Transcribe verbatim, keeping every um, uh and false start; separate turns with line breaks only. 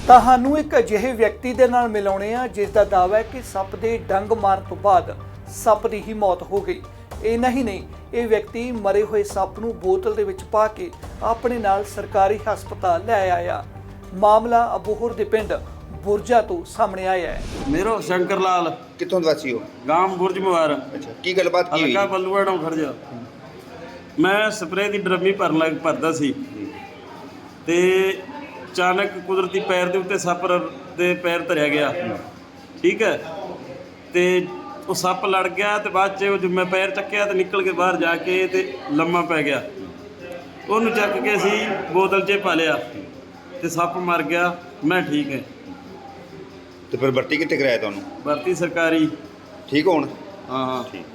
ਤੁਹਾਨੂੰ ਇੱਕ ਅਜਿਹੇ ਵਿਅਕਤੀ ਦੇ ਨਾਲ ਮਿਲਾਉਣੇ ਆ ਜਿਸ ਦਾ ਦਾਅਵਾ ਹੈ ਕਿ ਸੱਪ ਦੇ ਡੰਗ ਮਾਰਨ ਤੋਂ ਬਾਅਦ ਸੱਪ ਦੀ ਹੀ ਮੌਤ ਹੋ ਗਈ। ਇੰਨਾ ਹੀ ਨਹੀਂ, ਇਹ ਵਿਅਕਤੀ ਮਰੇ ਹੋਏ ਸੱਪ ਨੂੰ ਬੋਤਲ ਦੇ ਵਿੱਚ ਪਾ ਕੇ ਆਪਣੇ ਨਾਲ ਸਰਕਾਰੀ ਹਸਪਤਾਲ ਲੈ ਆਇਆ। ਮਾਮਲਾ ਅਬੋਹਰ ਦੇ ਪਿੰਡ ਬੁਰਜਾ ਤੋਂ ਸਾਹਮਣੇ ਆਇਆ ਹੈ।
ਮੇਰਾ ਸ਼ੰਕਰ ਲਾਲ
ਕਿੱਥੋਂ ਦੇ ਵਾਸੀ ਹੋ?
ਗਾਮ ਬੁਰਜ ਮੁਬਾਰ
ਅੱਛਾ, ਕੀ ਗੱਲਬਾਤ ਕੀ ਹੋਈ?
ਹਲਕਾ ਬੱਲੂਆੜੋਂ ਖੜਜਾ। ਮੈਂ ਸਪਰੇਅ ਦੀ ਡਰਮੀ ਭਰਨ ਲੱਗ ਭਰਦਾ ਸੀ ਤੇ ਅਚਾਨਕ ਕੁਦਰਤੀ ਪੈਰ ਦੇ ਉੱਤੇ ਸੱਪ ਦੇ ਪੈਰ ਧਰਿਆ ਗਿਆ। ਠੀਕ ਹੈ, ਤੇ ਉਹ ਸੱਪ ਲੜ ਗਿਆ ਤੇ ਬਾਅਦ 'ਚ ਜਦੋਂ ਮੈਂ ਪੈਰ ਚੱਕਿਆ ਤੇ ਨਿਕਲ ਕੇ ਬਾਹਰ ਜਾ ਕੇ ਤੇ ਲੰਮਾ ਪੈ ਗਿਆ। ਉਹਨੂੰ ਚੱਕ ਕੇ ਅਸੀਂ ਬੋਤਲ 'ਚ ਪਾ ਲਿਆ ਤੇ ਸੱਪ ਮਰ ਗਿਆ। ਮੈਂ ਠੀਕ ਹੈ।
ਤੇ ਫਿਰ ਭਰਤੀ ਕਿੱਥੇ ਕਰਾਇਆ ਤੁਹਾਨੂੰ?
ਭਰਤੀ ਸਰਕਾਰੀ।
ਠੀਕ ਹੋਣ?
ਹਾਂ ਹਾਂ
ਠੀਕ।